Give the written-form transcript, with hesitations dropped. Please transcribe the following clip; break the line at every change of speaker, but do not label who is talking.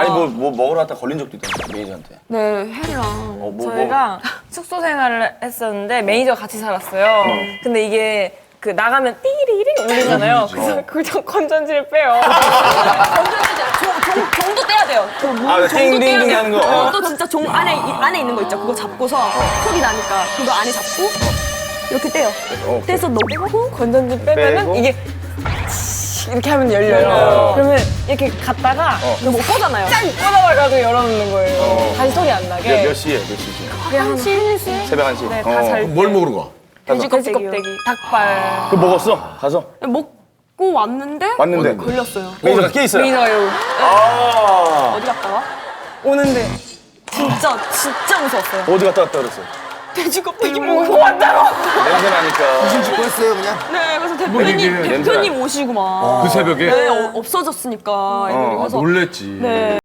아니 뭐 먹으러 갔다 걸린 적도 있던데 매니저한테.
네, 혜리랑
저희가 숙소 생활을 했었는데 매니저가 같이 살았어요. 근데 이게 그 나가면 띠리링 울리잖아요. 그래서 그걸 건전지를 빼요.
종도 떼야 돼요.
아, 띵띵띵 하는 거.
또 진짜 종 안에 있는 거 있죠. 그거 잡고서 소리 나니까 그거 안에 잡고 이렇게 떼요. 떼서 넣고
건전지 빼면은
빼고.
이게 이렇게 하면 열려요. 그러면 이렇게 갔다가
이거 못 보잖아요.
짠! 꺼내가지고 열어놓는 거예요. 다시 소리 안 나게.
몇 시에? 몇 시지?
그냥 한 1시?
새벽 1시?
네, 다 잘 때.
뭘 먹으러 가?
돼지 껍데기, 닭발.
그거 먹었어? 가서?
먹고 왔는데
왔는데?
걸렸어요.
매니저가 깨 있어요?
매니저가 이러고
아.
어디 갔다가?
오는데
진짜 무서웠어요.
어디 갔다 왔다 그랬어?
돼지 껍데기 먹고 왔다고.
냄새 나니까.
무슨 짓고 했어요 그냥?
네, 그래서
얘기해.
대표님 오시고 막.
그 새벽에?
네, 없어졌으니까 애들이. 그래서
놀랬지.
네.